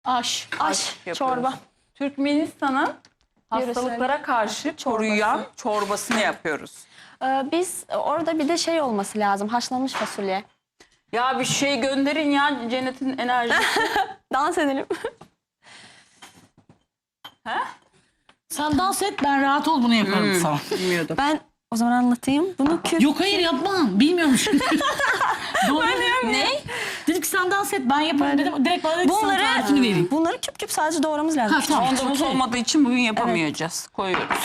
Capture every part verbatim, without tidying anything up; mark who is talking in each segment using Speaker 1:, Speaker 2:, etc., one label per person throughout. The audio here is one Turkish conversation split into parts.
Speaker 1: Aş.
Speaker 2: Aş,
Speaker 3: yapıyoruz.
Speaker 2: çorba.
Speaker 3: Türkmenistan'ın hastalıklara karşı koruyan çorbasını yapıyoruz.
Speaker 2: Ee, biz orada bir de şey olması lazım. Haşlanmış fasulye.
Speaker 3: Ya bir şey gönderin ya Cennet'in enerjisi.
Speaker 2: Dans edelim.
Speaker 1: Sen dans et, ben rahat ol, bunu yaparım sana.
Speaker 3: Bilmiyordum.
Speaker 2: Ben o zaman anlatayım. Bunu küp.
Speaker 1: Yok hayır yapmam. Bilmiyormuşum. Doğru.
Speaker 3: Ne?
Speaker 1: Dedik sen dans et, ben yaparım dedim. Direkt bana dedi ki sana
Speaker 2: Bunları,
Speaker 1: tarifini vereyim.
Speaker 2: bunları küp küp sadece doğramamız lazım.
Speaker 1: Ha, tamam.
Speaker 3: Ondamız
Speaker 1: okey.
Speaker 3: olmadığı için bugün yapamayacağız. Koyuyoruz.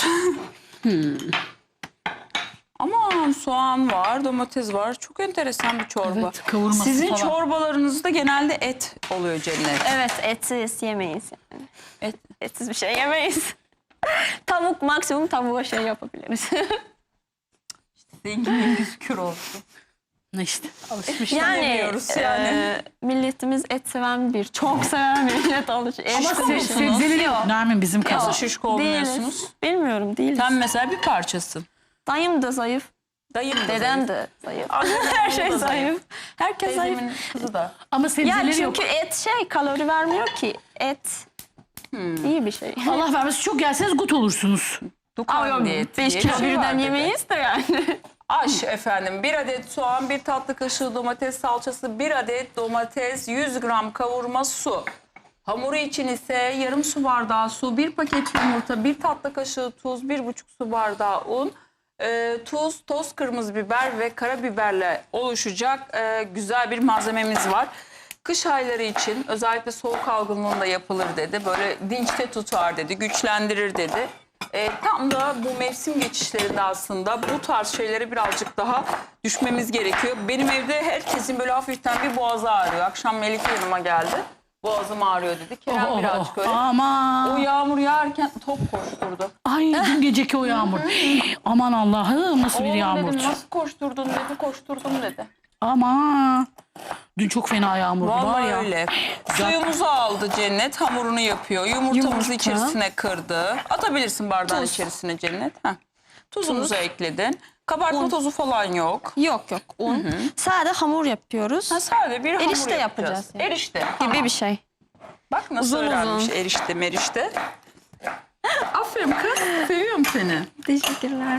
Speaker 3: Ama soğan var, domates var. Çok enteresan bir çorba.
Speaker 1: Evet, kavurması
Speaker 3: Sizin
Speaker 1: falan.
Speaker 3: çorbalarınızda genelde et oluyor Cennet.
Speaker 2: Evet, etsiz yemeyiz. Yani.
Speaker 3: Et.
Speaker 2: Etsiz bir şey yemeyiz. Tavuk, maksimum tavuğa şey yapabiliriz.
Speaker 3: Zenginliğimiz kür olsun.
Speaker 1: Ne işte alışmış.
Speaker 2: yani
Speaker 3: Yemiyoruz yani.
Speaker 2: e, milletimiz et seven bir, çok seven bir millet olduğu için.
Speaker 1: Ama
Speaker 2: Et
Speaker 1: se
Speaker 2: konusunu-
Speaker 1: sebzeleri yok. Nermin bizim
Speaker 3: Nasıl
Speaker 1: kazan.
Speaker 3: şişko
Speaker 2: Değiliz.
Speaker 3: olmuyorsunuz?
Speaker 2: Bilmiyorum, değiliz.
Speaker 3: Sen mesela bir parçasın.
Speaker 2: Dayım da zayıf,
Speaker 3: Dayım da
Speaker 2: dedem
Speaker 3: zayıf.
Speaker 2: de zayıf.
Speaker 3: Annemin
Speaker 2: Her
Speaker 3: oğlu
Speaker 2: şey
Speaker 3: da
Speaker 2: zayıf. Herkes zayıf.
Speaker 3: Teyzemin kızı da.
Speaker 1: Ama
Speaker 2: Ya
Speaker 1: sebzeleri yok.
Speaker 2: çünkü et şey kalori vermiyor ki. Et iyi bir şey.
Speaker 1: Allah vermesin, çok yerseniz gut olursunuz.
Speaker 3: Dukan diyeti
Speaker 2: beş
Speaker 3: diye
Speaker 2: kilo
Speaker 3: bir şey var
Speaker 2: birden
Speaker 3: dedi.
Speaker 2: yemeyiz de yani.
Speaker 3: Aş efendim. Bir adet soğan, bir tatlı kaşığı domates salçası, bir adet domates, yüz gram kavurma su. Hamuru için ise yarım su bardağı su, bir paket yumurta, bir tatlı kaşığı tuz, bir buçuk su bardağı un, e, tuz, toz kırmızı biber ve karabiberle oluşacak e, güzel bir malzememiz var. Kış ayları için özellikle soğuk algınlığında yapılır dedi. Böyle dinçte tutar dedi, güçlendirir dedi. E, tam da bu mevsim geçişlerinde aslında bu tarz şeylere birazcık daha düşmemiz gerekiyor. Benim evde herkesin böyle hafiften bir boğazı ağrıyor. Akşam Melike yanıma geldi. Boğazım ağrıyor dedi. Kerem
Speaker 1: Oh,
Speaker 3: birazcık öyle.
Speaker 1: Aman.
Speaker 3: O yağmur yağarken top koşturdu.
Speaker 1: Ay dün geceki o yağmur. Aman Allah'ım, nasıl bir
Speaker 3: Oğlum
Speaker 1: yağmur.
Speaker 3: dedim nasıl koşturdun dedi, koşturdum dedi.
Speaker 1: Aman. Dün çok fena yağmur var
Speaker 3: Vallahi
Speaker 1: ya.
Speaker 3: öyle. Suyumuzu aldı Cennet, hamurunu yapıyor. Yumurtamızı
Speaker 2: Yumurta.
Speaker 3: içerisine kırdı. Atabilirsin bardağın
Speaker 2: Tuz.
Speaker 3: içerisine Cennet. Heh. Tuzumuzu ekledin. Kabartma
Speaker 2: Un.
Speaker 3: tozu falan yok.
Speaker 2: Yok yok un. Sade hamur yapıyoruz.
Speaker 3: Ha, sadece bir hamur
Speaker 2: Erişte yapacağız yani.
Speaker 3: Erişte.
Speaker 2: Gibi
Speaker 3: Tamam.
Speaker 2: bir şey.
Speaker 3: Bak nasıl
Speaker 2: Uzun
Speaker 3: öğrenmiş
Speaker 2: uzun.
Speaker 3: erişte merişte. Aferin kız. Seviyorum seni.
Speaker 2: Teşekkürler.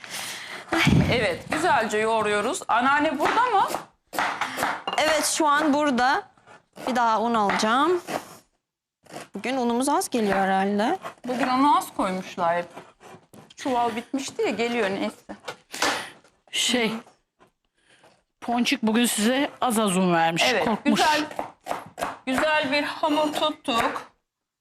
Speaker 3: Evet, güzelce yoğuruyoruz. Anneanne burada mı?
Speaker 2: Evet, şu an burada. Bir daha un alacağım. Bugün unumuz az geliyor herhalde.
Speaker 3: Bugün onu az koymuşlar hep. Çuval bitmişti ya, geliyor neyse.
Speaker 1: Şey. Ponçik bugün size az az un vermiş.
Speaker 3: Evet,
Speaker 1: Korkmuş.
Speaker 3: güzel güzel bir hamur tuttuk.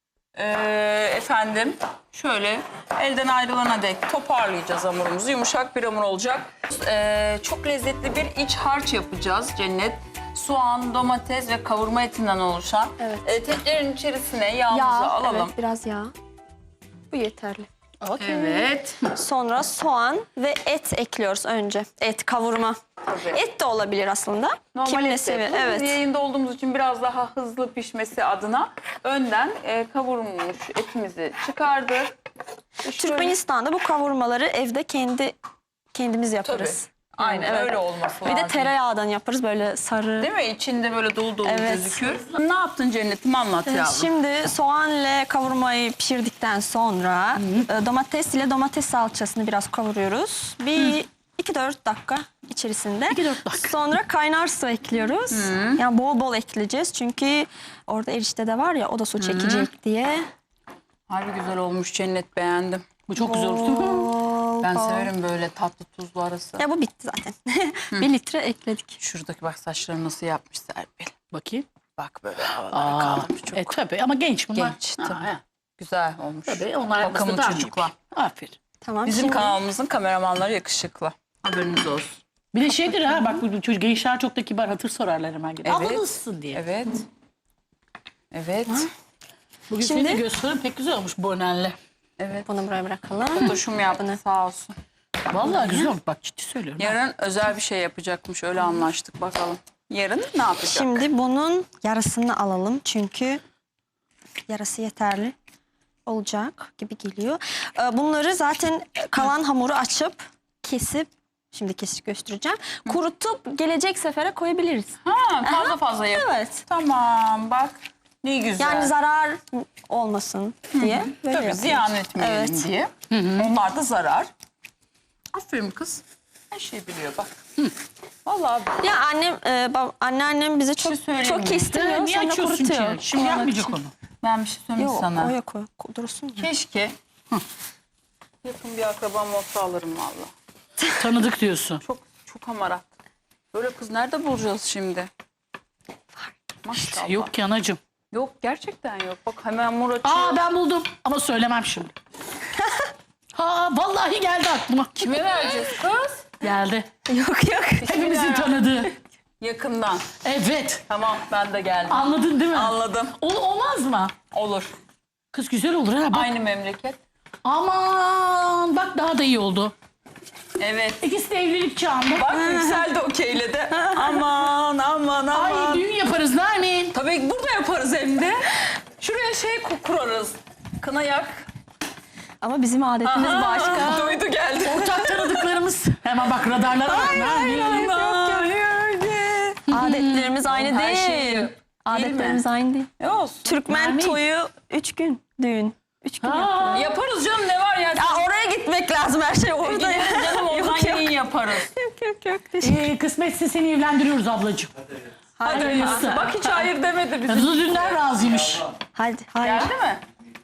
Speaker 3: Ee, efendim, şöyle elden ayrılana dek toparlayacağız hamurumuzu. Yumuşak bir hamur olacak. Ee, çok lezzetli bir iç harç yapacağız Cennet. Soğan, domates ve kavurma etinden oluşan.
Speaker 2: Evet.
Speaker 3: Ee, tencerenin içerisine yağımızı
Speaker 2: Yağ,
Speaker 3: alalım.
Speaker 2: evet, biraz yağ. Bu yeterli.
Speaker 3: Evet.
Speaker 2: Sonra soğan ve et ekliyoruz önce. Et, kavurma.
Speaker 3: Tabii.
Speaker 2: Et de olabilir aslında.
Speaker 3: Normal
Speaker 2: Kim ne
Speaker 3: et de
Speaker 2: seviyor?
Speaker 3: yapıyoruz.
Speaker 2: Evet.
Speaker 3: Biz yayında olduğumuz için biraz daha hızlı pişmesi adına önden e, kavurulmuş etimizi çıkardık. Şöyle-
Speaker 2: Türkmenistan'da bu kavurmaları evde kendi kendimiz
Speaker 3: Tabii.
Speaker 2: yaparız.
Speaker 3: Aynen
Speaker 2: Evet.
Speaker 3: öyle olması
Speaker 2: Bir
Speaker 3: lazım.
Speaker 2: de tereyağdan yaparız böyle sarı.
Speaker 3: Değil mi? İçinde böyle dolu dolu
Speaker 2: Evet.
Speaker 3: gözüküyor. Ne yaptın Cennet'im, anlat yavrum.
Speaker 2: Şimdi soğan ile kavurmayı pişirdikten sonra e, domates ile domates salçasını biraz kavuruyoruz. Bir iki dört dakika içerisinde.
Speaker 1: iki dört dakika.
Speaker 2: Sonra kaynar su ekliyoruz. Yani bol bol ekleyeceğiz çünkü orada erişte de var ya, o da su çekecek diye.
Speaker 3: Harbi güzel olmuş Cennet, beğendim.
Speaker 1: Bu çok güzel oldu.
Speaker 2: Bol
Speaker 3: Ben
Speaker 2: bol.
Speaker 3: severim böyle tatlı tuzlu arası.
Speaker 2: Ya bu bitti zaten. Bir litre ekledik.
Speaker 3: Şuradaki bak saçlarını nasıl yapmış Serpil.
Speaker 1: Bakayım.
Speaker 3: Bak böyle havalara
Speaker 1: Aa,
Speaker 3: kaldırmış çok.
Speaker 1: e tabii ama genç bunlar.
Speaker 3: Genç,
Speaker 1: Ha,
Speaker 3: tabii.
Speaker 1: ha.
Speaker 3: Güzel olmuş.
Speaker 1: Tabii onlar
Speaker 3: Bakımlı
Speaker 1: yapması daha
Speaker 3: çocuklar.
Speaker 1: iyi. Aferin.
Speaker 2: Tamam.
Speaker 3: Bizim
Speaker 2: şimdi
Speaker 3: kanalımızın kameramanları yakışıklı. Haberiniz olsun.
Speaker 1: Bir de şeydir ha, bak bu çocuk gençler çok da kibar, hatır sorarlar hemen gibi.
Speaker 3: Evet.
Speaker 1: Abla nasılsın diye.
Speaker 3: Evet. Evet.
Speaker 1: Bugün
Speaker 2: Şimdi-
Speaker 1: senin de gösterin pek güzel olmuş bonenle.
Speaker 3: Evet.
Speaker 2: bunu buraya bırakalım.
Speaker 3: Fotoşum yaptı sağ olsun.
Speaker 1: Vallahi güzel olmuş, bak ciddi söylüyorum.
Speaker 3: Yarın özel bir şey yapacakmış, öyle anlaştık, bakalım. Yarın ne yapacak?
Speaker 2: Şimdi bunun yarısını alalım çünkü yarısı yeterli olacak gibi geliyor. Ee, Bunları zaten kalan hamuru açıp kesip, şimdi kesip göstereceğim. Kurutup gelecek sefere koyabiliriz.
Speaker 3: Ha, fazla fazla yap.
Speaker 2: Evet.
Speaker 3: Tamam, bak Ne güzel.
Speaker 2: Yani zarar olmasın diye. Böyle
Speaker 3: Tabii
Speaker 2: yapıyoruz.
Speaker 3: ziyan etmeyelim
Speaker 2: Evet.
Speaker 3: diye. Onlar da zarar. Aferin kız. Her şeyi biliyor bak. Vallahi
Speaker 2: Ya annem, e, bab, anneannem bize çok
Speaker 3: söyleyeyim
Speaker 2: çok
Speaker 3: mi?
Speaker 2: kestiriyor.
Speaker 1: Niye
Speaker 2: Sonra
Speaker 1: açıyorsun
Speaker 2: kurutuyor.
Speaker 1: ki? Şimdi
Speaker 2: Evet.
Speaker 1: yapmayacak onu.
Speaker 3: ben bir şey söyleyeyim
Speaker 2: Yok,
Speaker 3: sana.
Speaker 2: o yok o. Dursun ya.
Speaker 3: Keşke yakın bir akrabam olsa alırım valla.
Speaker 1: Tanıdık diyorsun.
Speaker 3: Çok çok hamarat. Böyle kız nerede bulacağız şimdi? Maşallah.
Speaker 1: Yok ki anacığım.
Speaker 3: Yok gerçekten yok. Bak hemen mur açıyor.
Speaker 1: Aa ben buldum ama söylemem şimdi. Ha vallahi geldi aklıma.
Speaker 3: Kime vereceğiz kız?
Speaker 1: Geldi.
Speaker 2: Yok yok.
Speaker 1: Hepimizin tanıdığı.
Speaker 3: Yakından.
Speaker 1: Evet.
Speaker 3: Tamam ben de geldim.
Speaker 1: Anladın değil mi?
Speaker 3: Anladım.
Speaker 1: Ol, olmaz mı?
Speaker 3: Olur.
Speaker 1: Kız güzel olur ha bak.
Speaker 3: Aynı memleket.
Speaker 1: Aman bak daha da iyi oldu.
Speaker 3: Evet.
Speaker 1: İkisi de evlilik çağında.
Speaker 3: Bak Yüksel de okeyledi. Aman aman
Speaker 1: Ay
Speaker 3: aman.
Speaker 1: düğün yaparız Nermin.
Speaker 3: Tabii burada yaparız hem de. Şuraya şey ku- kurarız. Kına yak.
Speaker 2: Ama bizim adetimiz
Speaker 3: Aha,
Speaker 2: başka.
Speaker 3: Duydu geldi.
Speaker 1: Ortak tanıdıklarımız. Hemen bak radarlara bak. Nermin.
Speaker 2: Adetlerimiz aynı
Speaker 3: Her
Speaker 2: değil.
Speaker 3: şeyi-
Speaker 2: Adetlerimiz
Speaker 3: Değil
Speaker 2: aynı değil.
Speaker 3: E olsun.
Speaker 2: Türkmen
Speaker 1: Nermin.
Speaker 2: toyu üç gün düğün. Üç gün
Speaker 1: Ha.
Speaker 2: yapılıyor.
Speaker 3: Yaparız canım ne var ya.
Speaker 2: Ya oraya gitmek lazım, her şey orada.
Speaker 3: Gideriz canım oradan
Speaker 2: Yok, yok.
Speaker 3: yayın yaparız.
Speaker 2: Yok yok yok. Teşekkür-
Speaker 1: Ee, kısmetse seni evlendiriyoruz ablacığım.
Speaker 3: Hadi
Speaker 1: Hayırlısı.
Speaker 3: Bak hiç hayır demedi bize.
Speaker 1: Kızı dünden razıymış.
Speaker 2: Hadi hayır.
Speaker 3: Geldi mi?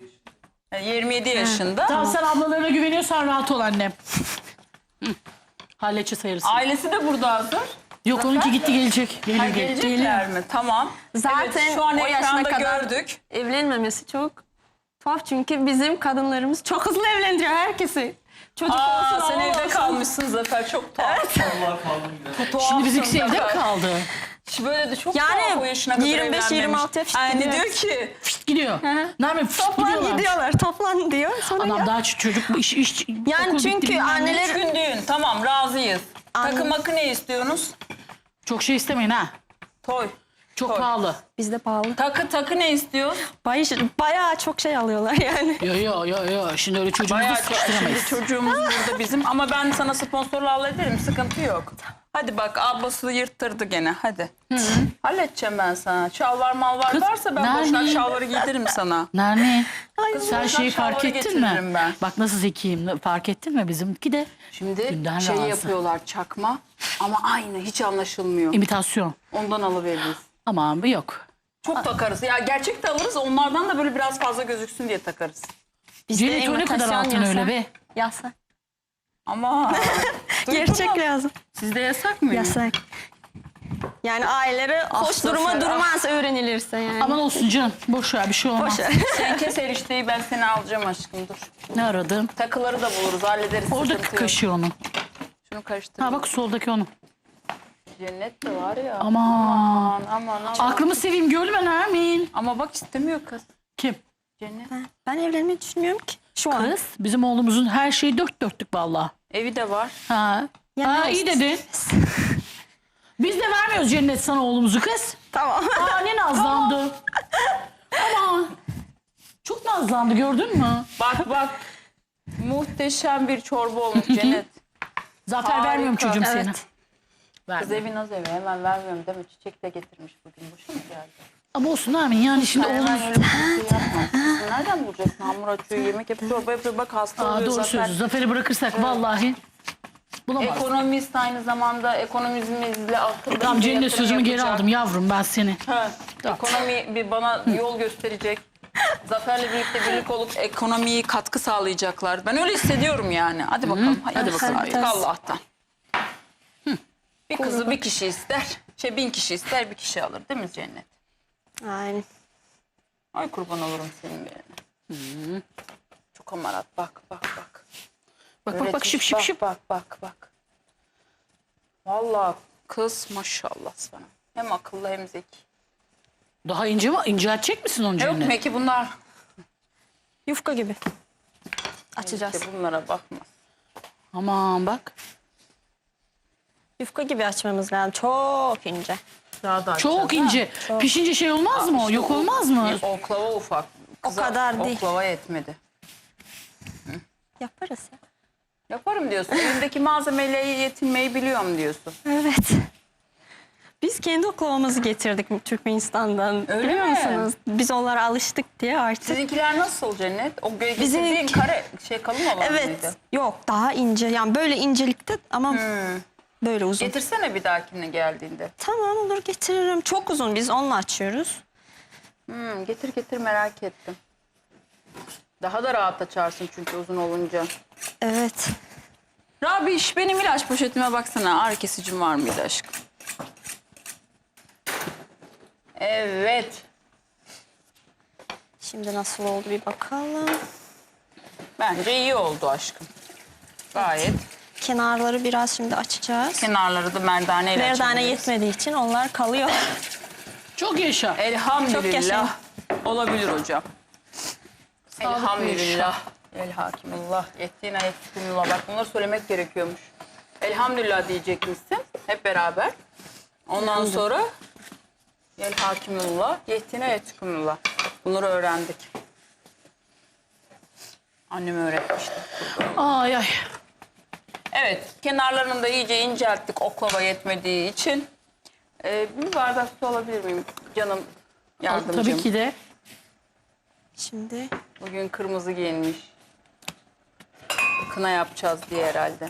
Speaker 3: E, yirmi yedi yaşında.
Speaker 1: Tamam sen ablalarına güveniyorsan rahat ol annem. Hı. Halledeceğiz hayırlısı.
Speaker 3: Ailesi de burada hazır.
Speaker 1: Yok onunki gitti gelecek. Geliyor
Speaker 3: Ha,
Speaker 1: geliyor.
Speaker 3: gelecekler mi? Tamam.
Speaker 2: Zaten
Speaker 3: evet, şu an
Speaker 2: o yaşına
Speaker 3: ekranda
Speaker 2: kadar
Speaker 3: gördük.
Speaker 2: evlenmemesi çok tuhaf, çünkü bizim kadınlarımız çok hızlı evlendiriyor herkesi. Çocuk
Speaker 3: Aa,
Speaker 2: olsun,
Speaker 3: sen
Speaker 2: oğul
Speaker 3: evde
Speaker 2: olsun.
Speaker 3: kalmışsın Zafer çok tuhaf. Tuhafsın
Speaker 1: Şimdi bizimkisi evde mi
Speaker 3: Zafer.
Speaker 1: kaldı?
Speaker 3: Şimdi böyle de çok
Speaker 2: Yani
Speaker 3: tuhaf o yaşına kadar
Speaker 2: yirmi beş yirmi
Speaker 3: evlenmemiş.
Speaker 2: altı yaş
Speaker 3: Ay, ne
Speaker 2: gidiyor.
Speaker 3: diyor ki?
Speaker 1: Fişt gidiyor. Nermin fişt
Speaker 2: Toplan
Speaker 1: gidiyorlar.
Speaker 2: gidiyorlar, toplan diyor. Sonra
Speaker 1: Adam
Speaker 2: ya.
Speaker 1: daha ç- çocuk iş iş.
Speaker 2: Yani
Speaker 1: okul
Speaker 2: çünkü
Speaker 1: bitti, bilmem ne.
Speaker 2: anneler-
Speaker 3: Üç gün düğün tamam razıyız.
Speaker 2: Anne-
Speaker 3: Takı makı ne istiyorsunuz?
Speaker 1: Çok şey istemeyin ha.
Speaker 3: Toy.
Speaker 1: Çok
Speaker 3: Toy.
Speaker 1: pahalı.
Speaker 2: Bizde pahalı.
Speaker 3: Takı takı ne istiyor?
Speaker 2: Bayağı, bayağı çok şey alıyorlar yani.
Speaker 1: Yo yo yo yo. Şimdi öyle çocuğumuzu
Speaker 3: Bayağı çok. Şimdi
Speaker 1: sıkıştıramayız.
Speaker 3: çocuğumuz burada bizim ama ben sana sponsorla hallederim sıkıntı yok. Hadi bak ablası yırttırdı gene hadi. Halledeceğim ben sana. Şalvar malvar
Speaker 1: Kız,
Speaker 3: varsa ben
Speaker 1: nerede?
Speaker 3: boşnak şalvarı giydiririm sana.
Speaker 1: Nermin.
Speaker 3: Kız,
Speaker 1: Sen
Speaker 3: boşnak
Speaker 1: şeyi fark
Speaker 3: şalvarı
Speaker 1: ettin mi?
Speaker 3: getiririm ben.
Speaker 1: Bak nasıl zekiyim. Fark ettin mi? Bizimki de
Speaker 3: Şimdi
Speaker 1: Dünden
Speaker 3: şey
Speaker 1: razı.
Speaker 3: yapıyorlar çakma ama aynı hiç anlaşılmıyor.
Speaker 1: imitasyon.
Speaker 3: Ondan alıveririz.
Speaker 1: Aman bu yok.
Speaker 3: Çok takarız. Ya gerçek de alırız onlardan da böyle biraz fazla gözüksün diye takarız.
Speaker 2: Bizde
Speaker 1: Cennet o ne kadar
Speaker 2: imitasyon
Speaker 1: altın
Speaker 2: yasak.
Speaker 1: öyle be.
Speaker 2: Yasak.
Speaker 3: Ama duydun
Speaker 2: Gerçek
Speaker 3: mu?
Speaker 2: lazım.
Speaker 3: Sizde yasak mı?
Speaker 2: Yasak. Yani aileleri hoş
Speaker 3: Zafer,
Speaker 2: duruma
Speaker 3: ah.
Speaker 2: durmaz öğrenilirse yani.
Speaker 1: Aman olsun canım. Boş ver bir şey olmaz.
Speaker 2: Boş ver.
Speaker 3: Sen kes erişteyi ben seni alacağım aşkım dur.
Speaker 1: Ne aradın?
Speaker 3: Takıları da buluruz hallederiz.
Speaker 1: Orada
Speaker 3: sıkıntı yok.
Speaker 1: kaşıyor onu.
Speaker 3: Şunu karıştır.
Speaker 1: Ha bak soldaki onu.
Speaker 3: Cennet de var ya.
Speaker 1: Aman.
Speaker 3: Aman aman aman.
Speaker 1: Aklımı seveyim görme Nermin.
Speaker 3: Ama bak istemiyor kız.
Speaker 1: Kim?
Speaker 3: Cennet.
Speaker 2: Ben evlenmeyi düşünmüyorum ki. Şu an.
Speaker 1: Kız. Bizim oğlumuzun her şeyi dört dörtlük vallahi.
Speaker 3: Evi de var.
Speaker 1: Ha.
Speaker 2: Ya
Speaker 1: ha
Speaker 2: ne
Speaker 1: iyi
Speaker 2: olsun?
Speaker 1: dedin. Biz de vermiyoruz Cennet sana oğlumuzu kız.
Speaker 2: Tamam.
Speaker 1: Aa ne nazlandı. Aman. Çok nazlandı gördün mü?
Speaker 3: Bak bak. Muhteşem bir çorba olmuş Cennet.
Speaker 1: Zafer
Speaker 3: Harika.
Speaker 1: vermiyorum çocuğum
Speaker 2: Evet.
Speaker 1: seni.
Speaker 3: Kız
Speaker 1: Verme.
Speaker 3: evi naz evi hemen vermiyorum değil mi? Çiçek de getirmiş bugün. Boşa mı geldi?
Speaker 1: Ama olsun Nermin yani şimdi
Speaker 3: Hemen
Speaker 1: oğlumuz.
Speaker 3: öyle bir şey yapma. Kızım nereden bulacaksın? Hamur açıyor, yemek yapıyor, çorba yapıyor. Bak hasta
Speaker 1: Aa,
Speaker 3: oluyor
Speaker 1: doğru
Speaker 3: Zafer.
Speaker 1: söylüyorsun. Zafer'i bırakırsak vallahi bulamaz.
Speaker 3: Ekonomist aynı zamanda ekonomizmle akıllı.
Speaker 1: Tamam
Speaker 3: bir
Speaker 1: Cennet
Speaker 3: yatırım
Speaker 1: sözümü geri
Speaker 3: yapacak.
Speaker 1: aldım yavrum ben seni.
Speaker 3: Ha, ekonomi bir bana yol gösterecek. Zafer'le birlikte birlik olup ekonomiyi katkı sağlayacaklar. Ben öyle hissediyorum yani. Hadi bakalım. Hadi bakalım.
Speaker 2: Harikasın.
Speaker 3: Allah'tan. Hı. Bir kızı bir kişi ister. Şey bin kişi ister bir kişi alır değil mi Cennet?
Speaker 2: Aynen.
Speaker 3: Ay kurban olurum senin birine. Çok amarat bak bak bak.
Speaker 1: Bak bak bak
Speaker 3: Öğretmiş,
Speaker 1: şıp şıp
Speaker 3: bak,
Speaker 1: şıp.
Speaker 3: Bak bak bak. Vallahi kız maşallah sana. Hem akıllı hem zeki.
Speaker 1: Daha ince mi? İnceltecek misin onu
Speaker 3: Yok
Speaker 1: Cennet?
Speaker 3: Meki bunlar.
Speaker 2: Yufka gibi. Açacağız.
Speaker 3: İşte bunlara bakma.
Speaker 1: Aman bak.
Speaker 2: Yufka gibi açmamız lazım. Çok ince.
Speaker 3: Daha da
Speaker 1: Çok
Speaker 3: açacağız,
Speaker 1: ince. Pişince şey olmaz mı o? Yok olmaz mı?
Speaker 3: ha? Oklava ufak. Kıza
Speaker 2: kadar değil.
Speaker 3: Oklava yetmedi.
Speaker 2: Yaparız ya.
Speaker 3: Yaparım diyorsun. Elimdeki malzemeyle yetinmeyi biliyorum diyorsun.
Speaker 2: Evet. Biz kendi oklavamızı getirdik Türkmenistan'dan.
Speaker 3: Öyle
Speaker 2: Biliyor
Speaker 3: mi?
Speaker 2: musunuz? Biz onlara alıştık diye artık.
Speaker 3: Sizinkiler nasıl Cennet? O
Speaker 2: Bizim-
Speaker 3: getirdiğin kare şey kalın olan
Speaker 2: Evet.
Speaker 3: mıydı?
Speaker 2: Yok daha ince. Yani böyle incelikte ama
Speaker 3: Hmm.
Speaker 2: böyle uzun.
Speaker 3: Getirsene bir dahakine geldiğinde.
Speaker 2: Tamam olur getiririm. Çok uzun biz onunla açıyoruz.
Speaker 3: Hmm, getir getir merak ettim. Daha da rahat açarsın çünkü uzun olunca.
Speaker 2: Evet.
Speaker 3: Rabiş benim ilaç poşetime baksana. Ağrı kesicim var mıydı aşkım? Evet.
Speaker 2: Şimdi nasıl oldu bir bakalım.
Speaker 3: Bence iyi oldu aşkım. Gayet.
Speaker 2: Kenarları biraz şimdi açacağız.
Speaker 3: Kenarları da merdane ile
Speaker 2: Merdane
Speaker 3: açabiliriz.
Speaker 2: yetmediği için onlar kalıyor.
Speaker 1: Çok yaşa.
Speaker 2: Çok
Speaker 3: Elhamdülillah.
Speaker 2: yaşayın.
Speaker 3: Olabilir hocam.
Speaker 1: Sağlıklı
Speaker 3: Elhamdülillah. El hakimullah. Yettiğine yettiğinullah. Bak bunları söylemek gerekiyormuş. Elhamdülillah diyecekmişsin. Hep beraber. Ondan sonra el hakimullah. Yettiğine yettiğinullah. Bunları öğrendik. Annem öğretmişti.
Speaker 1: Ay ay.
Speaker 3: Evet. Kenarlarını da iyice incelttik oklava yetmediği için. Ee, bir bardak su alabilir miyim canım yardımcım?
Speaker 1: Tabii ki de.
Speaker 2: Şimdi
Speaker 3: Bugün kırmızı giyinmiş. Kına yapacağız diye herhalde.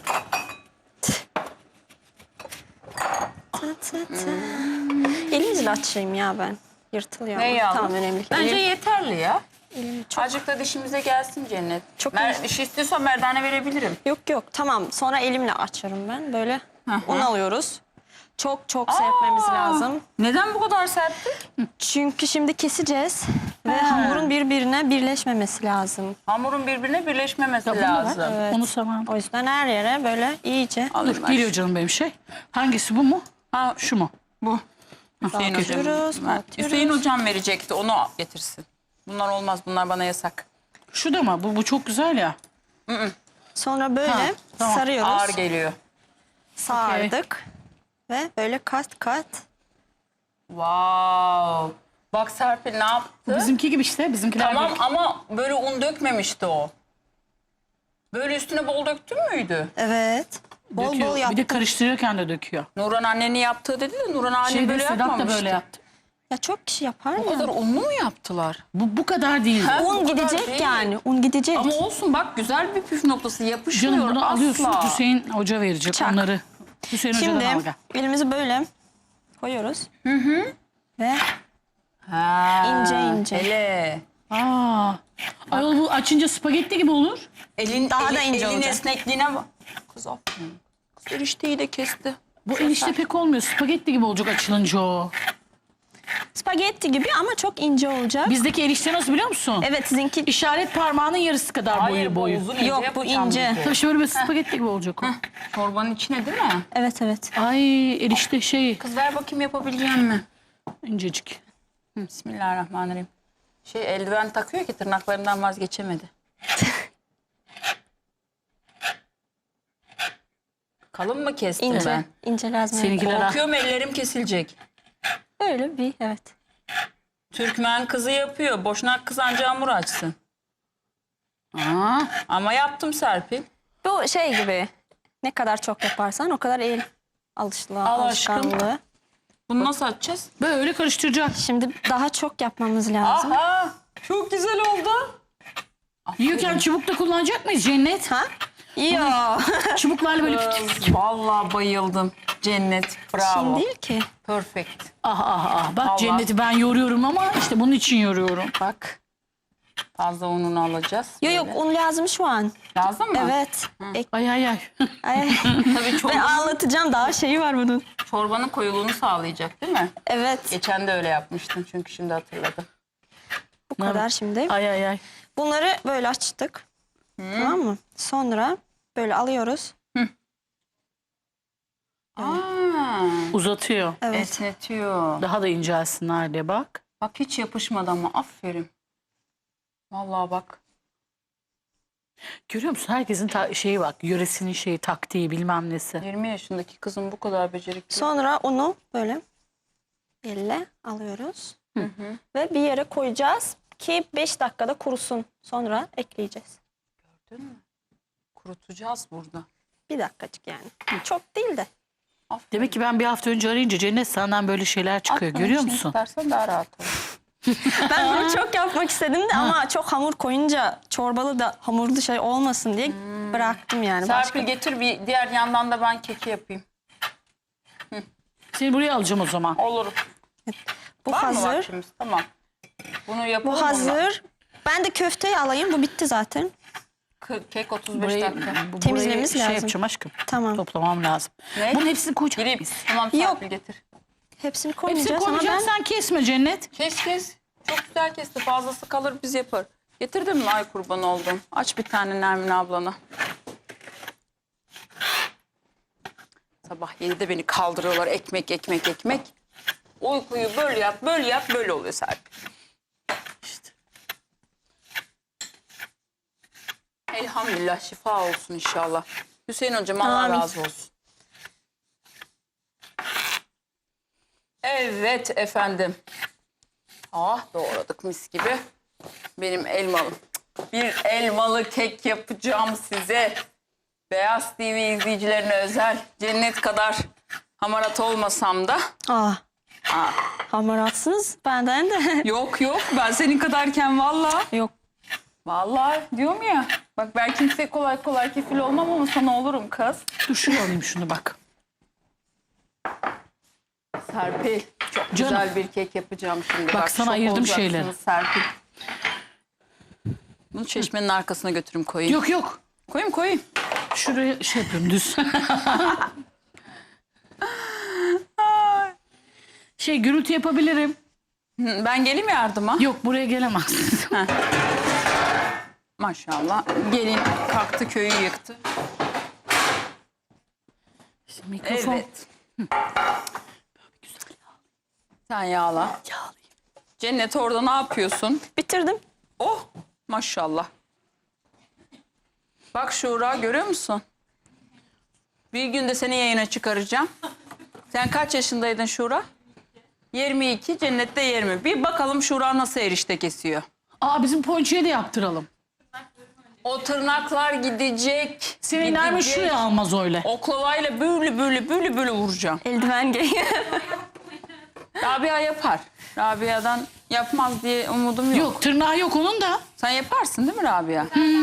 Speaker 2: tı tı tı. Elimizle açayım ya ben. Yırtılıyor.
Speaker 3: Ne
Speaker 2: ama.
Speaker 3: yavrum?
Speaker 2: Tamam önemli.
Speaker 3: Bence
Speaker 2: Elim-
Speaker 3: yeterli ya.
Speaker 2: elim çok...
Speaker 3: Azıcık da dişimize gelsin Cennet.
Speaker 2: Çok
Speaker 3: Mer
Speaker 2: iyi.
Speaker 3: diş istiyorsan merdane verebilirim.
Speaker 2: Yok yok tamam sonra elimle açarım ben. Böyle
Speaker 3: hı.
Speaker 2: un alıyoruz. Çok çok serpmemiz
Speaker 3: Aa,
Speaker 2: lazım.
Speaker 3: Neden bu kadar serttik?
Speaker 2: Çünkü şimdi keseceğiz ve hamurun birbirine birleşmemesi lazım.
Speaker 3: Hamurun birbirine birleşmemesi
Speaker 1: Ya bunu da
Speaker 3: lazım.
Speaker 2: Evet.
Speaker 1: Onu tamam.
Speaker 2: O yüzden her yere böyle iyice
Speaker 3: Alayım
Speaker 1: Dur
Speaker 3: ben.
Speaker 1: geliyor canım benim şey. Hangisi bu mu?
Speaker 3: Ha,
Speaker 1: Şu mu?
Speaker 3: bu. Hüseyin hocam.
Speaker 2: Dağıtıyoruz,
Speaker 3: ver.
Speaker 2: dağıtıyoruz.
Speaker 3: Hüseyin hocam verecekti. Onu getirsin. Bunlar olmaz. Bunlar bana yasak.
Speaker 1: Şu da mı? Bu, bu çok güzel ya.
Speaker 2: sonra böyle
Speaker 1: Ha, tamam.
Speaker 2: sarıyoruz.
Speaker 3: Ağır geliyor.
Speaker 2: Sardık ve böyle kat kat.
Speaker 3: Wow. Bak Serpil ne yaptı?
Speaker 1: Bizimki gibi işte. Bizimkiler
Speaker 3: Tamam
Speaker 1: gibi.
Speaker 3: ama böyle un dökmemişti o. Böyle üstüne bol döktün müydü?
Speaker 2: Evet. Bol
Speaker 1: Döküyor.
Speaker 2: bol
Speaker 1: Bir
Speaker 2: yaptık.
Speaker 1: de karıştırırken de döküyor.
Speaker 3: Nurhan annenin yaptığı dedi de Nurhan anne
Speaker 1: Şeyde
Speaker 3: böyle
Speaker 1: Sedat
Speaker 3: yapmamıştı.
Speaker 1: da böyle yaptı.
Speaker 2: Ya çok kişi yapar
Speaker 3: O
Speaker 2: ya.
Speaker 3: kadar unlu mu yaptılar?
Speaker 1: Bu bu kadar değil.
Speaker 3: Ha? Bu
Speaker 2: Un
Speaker 3: kadar
Speaker 2: gidecek
Speaker 3: değil.
Speaker 2: yani. Un gidecek.
Speaker 3: Ama olsun bak güzel bir püf noktası yapışmıyor
Speaker 1: Canım bunu
Speaker 3: asla.
Speaker 1: alıyorsun. Hüseyin Hoca verecek
Speaker 2: Çak.
Speaker 1: onları. Hüseyin
Speaker 2: Şimdi
Speaker 1: Hoca'dan al gel.
Speaker 2: elimizi böyle koyuyoruz. Hı hı. Ve
Speaker 3: Ha,
Speaker 2: İnce ince.
Speaker 3: Hele.
Speaker 1: Aa. Ayol bu açınca spagetti gibi olur.
Speaker 3: Elin,
Speaker 2: Daha
Speaker 3: eli-
Speaker 2: da ince
Speaker 3: elin
Speaker 2: olacak.
Speaker 3: esnekliğine bak. Kız aferin. Kız erişteyi de kesti.
Speaker 1: Bu erişte pek olmuyor. Spagetti gibi olacak açılınca o.
Speaker 2: spagetti gibi ama çok ince olacak.
Speaker 1: Bizdeki erişte nasıl biliyor musun?
Speaker 2: Evet sizinki
Speaker 1: İşaret parmağının yarısı kadar
Speaker 3: Hayır
Speaker 1: boyu
Speaker 3: bu
Speaker 1: boyu.
Speaker 3: uzun ince
Speaker 2: Yok, bu
Speaker 3: yapacağım
Speaker 2: ince.
Speaker 3: dedi.
Speaker 1: Tabii şöyle bir spagetti gibi olacak o.
Speaker 3: Çorbanın içine değil mi?
Speaker 2: evet evet.
Speaker 1: Ay erişte şey
Speaker 3: Kız ver bakayım yapabileceğim mi?
Speaker 1: incecik.
Speaker 3: Bismillahirrahmanirrahim. Şey eldiven takıyor ki tırnaklarından vazgeçemedi. Kalın mı kestim
Speaker 2: İnce.
Speaker 3: ben?
Speaker 2: İnce lazım.
Speaker 1: Seninkiler ha.
Speaker 3: Korkuyorum ellerim kesilecek.
Speaker 2: Öyle bir evet.
Speaker 3: Türkmen kızı yapıyor. Boşnak kız anca hamur açsın.
Speaker 1: Aa,
Speaker 3: Ama yaptım Serpil.
Speaker 2: Bu şey gibi ne kadar çok yaparsan o kadar el alışlığı,
Speaker 3: Al aşkım.
Speaker 2: alışkanlığı.
Speaker 3: Bunu nasıl açacağız?
Speaker 1: böyle karıştıracak.
Speaker 2: Şimdi daha çok yapmamız lazım.
Speaker 3: Aha! Çok güzel oldu.
Speaker 1: Yiyorken çubuk da kullanacak mıyız Cennet?
Speaker 2: Ha? Yo.
Speaker 1: Çubuklarla böyle püf-
Speaker 3: Kız, vallahi bayıldım. Cennet. Bravo.
Speaker 2: Şimdi değil ki.
Speaker 3: Perfect.
Speaker 1: Ah ah ah. Bak
Speaker 3: Allah.
Speaker 1: Cennet'i ben yoruyorum ama işte bunun için yoruyorum.
Speaker 3: Bak. Fazla ununu alacağız.
Speaker 2: Yok yok
Speaker 3: Böyle.
Speaker 2: un lazım şu an.
Speaker 3: Lazım mı?
Speaker 2: Evet. Ek-
Speaker 1: Ay ay ay.
Speaker 2: Ay.
Speaker 3: Tabii
Speaker 2: Ben
Speaker 3: çorbanın,
Speaker 2: anlatacağım daha şeyi var bunun.
Speaker 3: çorbanın koyuluğunu sağlayacak değil mi?
Speaker 2: Evet.
Speaker 3: Geçen de öyle yapmıştın çünkü şimdi hatırladım.
Speaker 2: Bu kadar şimdi.
Speaker 1: Ay ay ay.
Speaker 2: Bunları böyle açtık. Tamam mı? Sonra böyle alıyoruz.
Speaker 3: Aa,
Speaker 1: Uzatıyor.
Speaker 2: Evet.
Speaker 3: esnetiyor.
Speaker 1: Daha da incelsinler diye bak.
Speaker 3: Bak hiç yapışmadı ama aferin. Vallahi bak.
Speaker 1: Görüyor musun? Herkesin ta- şeyi bak. Yöresinin şeyi, taktiği bilmem nesi.
Speaker 3: yirmi yaşındaki kızım bu kadar becerikli.
Speaker 2: Sonra onu böyle elle alıyoruz. Ve bir yere koyacağız ki beş dakikada kurusun. Sonra ekleyeceğiz.
Speaker 3: Gördün mü? Kurutacağız burada.
Speaker 2: Bir dakikacık yani. Çok değil de.
Speaker 3: Aferin.
Speaker 1: Demek ki ben bir hafta önce arayınca Cennet senden böyle şeyler çıkıyor.
Speaker 3: Aklına
Speaker 1: Görüyor
Speaker 3: işini
Speaker 1: musun?
Speaker 3: tutarsan daha rahat olur.
Speaker 2: Ben bunu çok yapmak istedim de ama çok hamur koyunca çorbalı da hamurlu şey olmasın diye bıraktım yani. Başka.
Speaker 3: Serpil getir bir diğer yandan da ben keki yapayım.
Speaker 1: Seni buraya alacağım o zaman.
Speaker 3: Olur.
Speaker 2: Bu
Speaker 3: Var mı
Speaker 2: hazır.
Speaker 3: vaktimiz? Tamam. Bunu yapalım.
Speaker 2: Bu hazır. Ben de köfteyi alayım. Bu bitti zaten.
Speaker 3: K- Kek otuz beş
Speaker 1: Burayı,
Speaker 3: dakika.
Speaker 1: bu-
Speaker 2: Temizlememiz
Speaker 1: burayı
Speaker 2: lazım.
Speaker 1: Şey yapacağım aşkım.
Speaker 2: Tamam.
Speaker 1: Toplamam lazım.
Speaker 3: Ne?
Speaker 1: Bunun hepsini koyacağım.
Speaker 3: Gireyim.
Speaker 1: biz.
Speaker 3: Tamam
Speaker 2: Yok.
Speaker 3: Serpil getir.
Speaker 2: Hepsini
Speaker 1: Hepsini
Speaker 2: koymayacağız ama ben...
Speaker 1: koymayacaksan kesme Cennet.
Speaker 3: Kes kes. Çok güzel kesti. Fazlası kalır biz yapar. Getirdin mi? Ay kurban oldum. Aç bir tane Nermin ablana. Sabah yedide beni kaldırıyorlar. Ekmek, ekmek, ekmek. Uykuyu böyle yap, böyle yap, böyle oluyor Serpil. İşte. Elhamdülillah şifa olsun inşallah. Hüseyin hocam Allah
Speaker 2: Amin.
Speaker 3: razı olsun. Evet efendim. Ah doğradık mis gibi. Benim elmalım. Bir elmalı kek yapacağım size. Beyaz T V izleyicilerine özel. Cennet kadar hamarat olmasam da.
Speaker 2: Aa,
Speaker 3: Aa,
Speaker 2: hamaratsınız benden de.
Speaker 3: yok yok ben senin kadarken vallahi.
Speaker 2: Yok.
Speaker 3: Vallahi diyorum ya. Bak ben kimseye kolay kolay kefil olmam ama sana olurum kız.
Speaker 1: Dur şunu alayım şunu bak.
Speaker 3: Serpil çok
Speaker 1: Canım.
Speaker 3: güzel bir kek yapacağım şimdi.
Speaker 1: Bak, sana
Speaker 3: şok
Speaker 1: ayırdım
Speaker 3: olacaksınız
Speaker 1: şeyleri.
Speaker 3: Serpil. Bunu çeşmenin arkasına götürüm koyayım.
Speaker 1: Yok yok.
Speaker 3: Koyayım koyayım.
Speaker 1: Şuraya şey yapıyorum düz. şey gürültü yapabilirim.
Speaker 3: Hı, ben geleyim yardıma.
Speaker 1: Yok buraya gelemezsin.
Speaker 3: Maşallah. Gelin kalktı köyü yıktı.
Speaker 1: İşte mikrofon.
Speaker 3: Evet. Sen yağla.
Speaker 1: Yağlayayım.
Speaker 3: Cennet orada ne yapıyorsun?
Speaker 2: Bitirdim.
Speaker 3: Oh maşallah. Bak Şura görüyor musun? Bir günde seni yayına çıkaracağım. Sen kaç yaşındaydın Şura? yirmi iki, Cennet'te yirmi. Bir bakalım Şura nasıl erişte kesiyor.
Speaker 1: Aa bizim ponçiye de yaptıralım.
Speaker 3: O tırnaklar gidecek.
Speaker 1: Senin Nermin
Speaker 3: gidecek.
Speaker 1: şuraya almaz öyle.
Speaker 3: Oklavayla böyle böyle böyle böyle vuracağım.
Speaker 2: Eldiven giy.
Speaker 3: Rabia yapar. Rabia'dan yapmaz diye umudum yok.
Speaker 1: Yok tırnağı yok onun da.
Speaker 3: Sen yaparsın değil mi Rabia?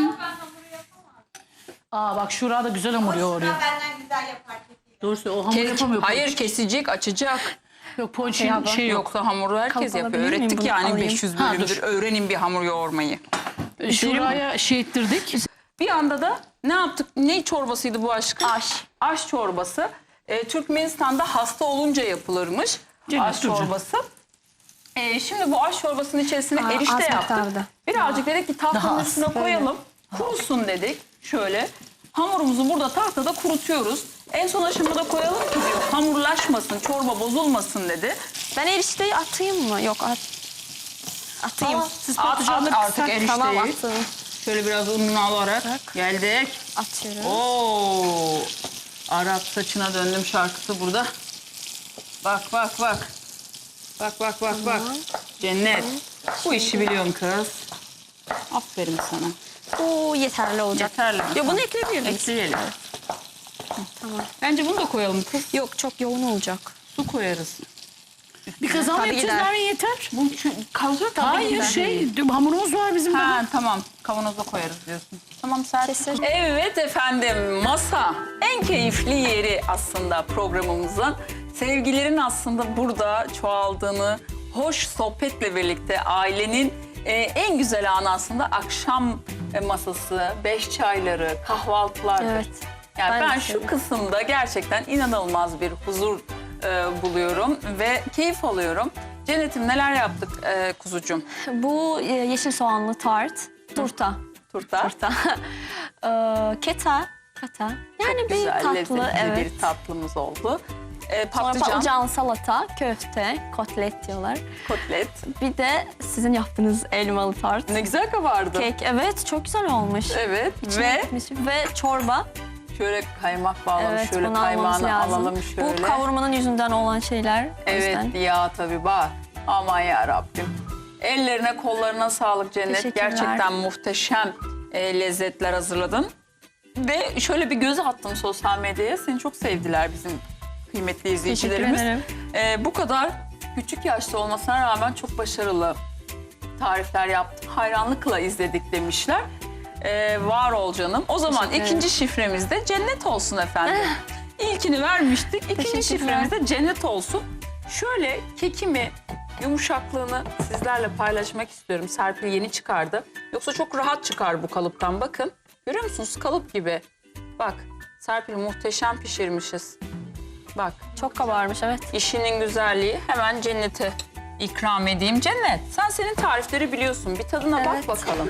Speaker 1: Aa bak Şura da güzel hamur yoğuruyor.
Speaker 4: Benden güzel yapar.
Speaker 1: Doğrusu o hamur
Speaker 3: Kes-
Speaker 1: yapamıyor.
Speaker 3: Hayır kesecek, açacak.
Speaker 1: Yok ponçin
Speaker 2: Şey
Speaker 1: şey yok.
Speaker 3: Yoksa hamuru herkes
Speaker 2: Kalıp
Speaker 3: yapıyor.
Speaker 2: alabilir miyim?
Speaker 3: Öğrettik
Speaker 2: Bunu
Speaker 3: yani
Speaker 2: alayım.
Speaker 3: beş yüz
Speaker 1: Ha,
Speaker 3: bölümdür.
Speaker 1: dur.
Speaker 3: Öğrenin bir hamur yoğurmayı.
Speaker 1: Şuraya şey ettirdik.
Speaker 3: Bir anda da ne yaptık? Ne çorbasıydı bu aşkım? Aş. Aş çorbası. Ee, Türkmenistan'da hasta olunca yapılırmış.
Speaker 1: Cennet,
Speaker 3: aş
Speaker 1: dur canım.
Speaker 3: çorbası. Ee, şimdi bu aş çorbasının içerisine
Speaker 2: Aa,
Speaker 3: erişte
Speaker 2: az
Speaker 3: yaptık.
Speaker 2: miktarda.
Speaker 3: Birazcık dedik ki tahtanın
Speaker 1: Daha az.
Speaker 3: üstüne koyalım. Kurusun dedik. Şöyle. Hamurumuzu burada tahtada kurutuyoruz. En son aşamada koyalım ki diyor hamurlaşmasın, çorba bozulmasın dedi.
Speaker 2: Ben erişteyi atayım mı? Yok at. Atayım.
Speaker 1: Aa, siz
Speaker 3: At,
Speaker 1: patlıcanları
Speaker 3: at artık
Speaker 1: kısak-
Speaker 3: erişteyi.
Speaker 2: Tamam attım.
Speaker 3: Şöyle biraz ununu alarak geldik.
Speaker 2: Atıyorum.
Speaker 3: Oo! Arap saçına döndüm şarkısı burada. Bak bak bak. Bak bak bak bak. Cennet. Bu işi biliyorsun kız. Aferin sana.
Speaker 2: Oo yeterli olacak.
Speaker 3: Yeterli.
Speaker 2: Ya bunu ekleyebilir miyiz?
Speaker 3: Ekleyelim.
Speaker 2: Tamam.
Speaker 3: Bence bunu da koyalım kız.
Speaker 2: Yok çok yoğun olacak.
Speaker 3: Su koyarız.
Speaker 1: Bir kazan
Speaker 2: Tabii
Speaker 1: yapacağız
Speaker 2: gider.
Speaker 1: Nermin yeter.
Speaker 3: Bu şu- kalacak mı?
Speaker 1: Hayır
Speaker 3: gider.
Speaker 1: şey hamurumuz var bizim daha.
Speaker 3: Ha tamam. Kavanoza koyarız diyorsun. Tamam Serpil.
Speaker 2: Kesin.
Speaker 3: Evet efendim masa en keyifli yeri aslında programımızın. Sevgilerin aslında burada çoğaldığını, hoş sohbetle birlikte ailenin e, en güzel anı aslında akşam e, masası, beş çayları, kahvaltılardır.
Speaker 2: Evet.
Speaker 3: Yani ben,
Speaker 2: Ben de
Speaker 3: şu
Speaker 2: seviyorum.
Speaker 3: kısımda gerçekten inanılmaz bir huzur e, buluyorum ve keyif alıyorum. Cennet'im neler yaptık e, kuzucuğum?
Speaker 2: Bu e, yeşil soğanlı tart. Turta.
Speaker 3: Turta.
Speaker 2: Turta. Ee, keta. Keta. Yani bir
Speaker 3: Güzel,
Speaker 2: tatlı.
Speaker 3: lezzetli
Speaker 2: Evet.
Speaker 3: bir tatlımız oldu. E,
Speaker 2: Sonra
Speaker 3: patlıcan,
Speaker 2: patlıcan, salata, köfte, kotlet diyorlar.
Speaker 3: kotlet.
Speaker 2: Bir de sizin yaptığınız elmalı tart.
Speaker 3: Ne güzel kabardı.
Speaker 2: Kek. Evet çok güzel olmuş.
Speaker 3: Evet
Speaker 2: İçine
Speaker 3: ve
Speaker 2: gitmiş. Ve çorba.
Speaker 3: şöyle kaymak bağlamış.
Speaker 2: Evet
Speaker 3: şöyle
Speaker 2: bunu almamız
Speaker 3: kaymağını
Speaker 2: lazım.
Speaker 3: alalım şöyle.
Speaker 2: Bu kavurmanın yüzünden olan şeyler. O
Speaker 3: Evet
Speaker 2: yüzden.
Speaker 3: ya tabii bak. Aman ya Rabbim. Ellerine kollarına sağlık Cennet.
Speaker 2: Teşekkürler.
Speaker 3: Gerçekten muhteşem e, lezzetler hazırladın. Ve şöyle bir göz attım sosyal medyaya. Seni çok sevdiler bizim kıymetli izleyicilerimiz.
Speaker 2: ederim.
Speaker 3: Ee, bu kadar küçük yaşta olmasına rağmen çok başarılı tarifler yaptım. Hayranlıkla izledik demişler. Ee, var ol canım. O zaman
Speaker 2: Teşekkür
Speaker 3: ikinci şifremiz de cennet olsun efendim. İlkini vermiştik. İkinci
Speaker 2: Teşekkürler.
Speaker 3: şifremiz de cennet olsun. Şöyle kekimi, yumuşaklığını sizlerle paylaşmak istiyorum. Serpil yeni çıkardı. Yoksa çok rahat çıkar bu kalıptan. Bakın. Görüyor musunuz? Kalıp gibi. Bak. Serpil muhteşem pişirmişiz. Bak.
Speaker 2: Çok kabarmış, evet.
Speaker 3: İşinin güzelliği. Hemen cennete ikram edeyim. Cennet, sen senin tarifleri biliyorsun. Bir tadına
Speaker 2: Evet.
Speaker 3: bak bakalım.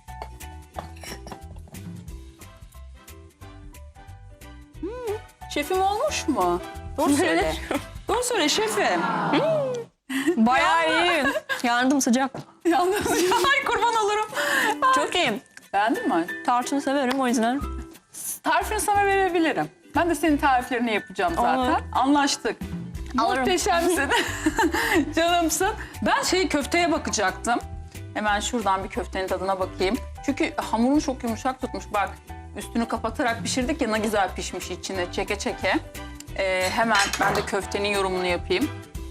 Speaker 3: Hmm, şefim olmuş mu? Doğru söyle. Doğru söyle şefim.
Speaker 2: Bayağı iyi. Yandım, sıcak.
Speaker 3: Yalnız ay kurban olurum.
Speaker 2: Çok iyi.
Speaker 3: Beğendin mi?
Speaker 2: Tarçını severim o yüzden.
Speaker 3: Tarifini sana verebilirim. Ben de senin tariflerini yapacağım zaten.
Speaker 2: Olur.
Speaker 3: Anlaştık.
Speaker 2: Alırım.
Speaker 3: Muhteşemsin. Canımsın. Ben şey köfteye bakacaktım. Hemen şuradan bir köftenin tadına bakayım. Çünkü hamurunu çok yumuşak tutmuş. Bak üstünü kapatarak pişirdik ya, ne güzel pişmiş içine çeke çeke. Ee, hemen ben de köftenin yorumunu yapayım.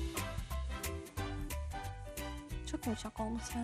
Speaker 2: Çok yumuşak olması lazım.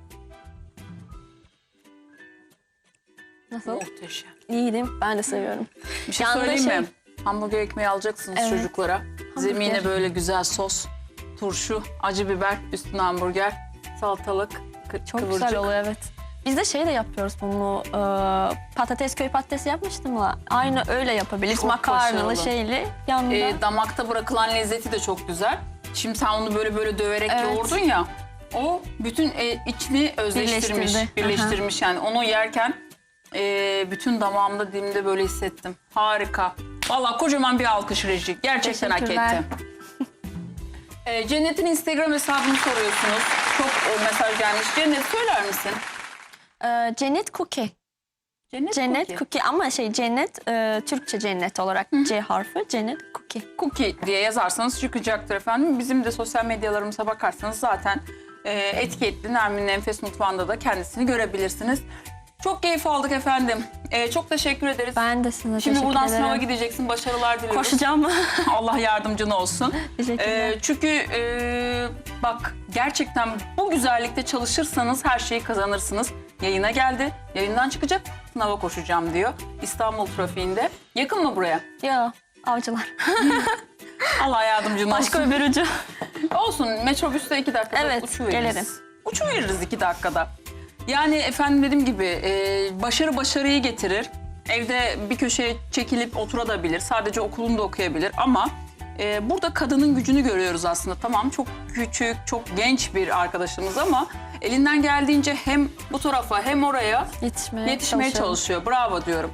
Speaker 2: Nasıl?
Speaker 3: Muhteşem.
Speaker 2: İyi değil mi? Ben de seviyorum.
Speaker 3: Bir şey
Speaker 2: Yanında
Speaker 3: söyleyeyim
Speaker 2: şey-
Speaker 3: mi? Hamburger ekmeği alacaksınız
Speaker 2: Evet.
Speaker 3: çocuklara. Zemine böyle güzel sos, turşu, acı biber, üstüne hamburger, salatalık, kı-
Speaker 2: Çok
Speaker 3: kıvırcık.
Speaker 2: güzel oluyor, evet. Biz de şey de yapıyoruz bunu. E, patates, köy patatesi yapmıştım da. Aynı öyle yapabiliriz.
Speaker 3: Çok
Speaker 2: Makarnalı
Speaker 3: başarılı.
Speaker 2: şeyli. Yanında.
Speaker 3: Ee, damakta bırakılan lezzeti de çok güzel. Şimdi sen onu böyle böyle döverek
Speaker 2: Evet.
Speaker 3: yoğurdun ya. O bütün e, içini özleştirmiş,
Speaker 2: Birleştirdi.
Speaker 3: birleştirmiş yani. Onu yerken e, bütün damağımda, dilimde böyle hissettim. Harika. Vallahi kocaman bir alkış reji. Gerçekten hak
Speaker 2: Teşekkürler.
Speaker 3: etti. E, Cennet'in Instagram hesabını soruyorsunuz. Çok e, mesaj gelmiş. Cennet söyler misin?
Speaker 2: E, Cennet Cookie.
Speaker 3: Cennet,
Speaker 2: Cennet
Speaker 3: Cookie.
Speaker 2: Cookie ama şey cennet, e, Türkçe cennet olarak C harfi. Cennet Cookie.
Speaker 3: Cookie diye yazarsanız çıkacaktır efendim. Bizim de sosyal medyalarımıza bakarsanız zaten e, etiketli Nermin'in Enfes Mutfağı'nda da kendisini görebilirsiniz. Çok keyif aldık efendim. E, çok teşekkür ederiz.
Speaker 2: Ben de size
Speaker 3: Şimdi
Speaker 2: teşekkür
Speaker 3: buradan
Speaker 2: ederim.
Speaker 3: sınava gideceksin. Başarılar diliyoruz.
Speaker 2: Koşacağım.
Speaker 3: Allah yardımcın olsun.
Speaker 2: Teşekkürler.
Speaker 3: E, çünkü e, bak gerçekten bu güzellikte çalışırsanız her şeyi kazanırsınız. Yayına geldi. Yayından çıkacak. Sınava koşacağım diyor. İstanbul trafiğinde. Yakın mı buraya?
Speaker 2: Ya avcılar.
Speaker 3: Allah yardımcın olsun.
Speaker 2: Başka öbür ucu.
Speaker 3: Olsun, metrobüste iki dakikada
Speaker 2: Evet,
Speaker 3: uçuveririz.
Speaker 2: gelirim.
Speaker 3: Uçuveririz iki dakikada. Yani efendim dediğim gibi e, başarı başarıyı getirir. Evde bir köşeye çekilip oturabilir. Sadece okulunda okuyabilir ama e, burada kadının gücünü görüyoruz aslında. Tamam çok küçük, çok genç bir arkadaşımız ama elinden geldiğince hem bu tarafa hem oraya
Speaker 2: Yetişmeye,
Speaker 3: yetişmeye
Speaker 2: çalışıyorum.
Speaker 3: çalışıyor. Bravo diyorum.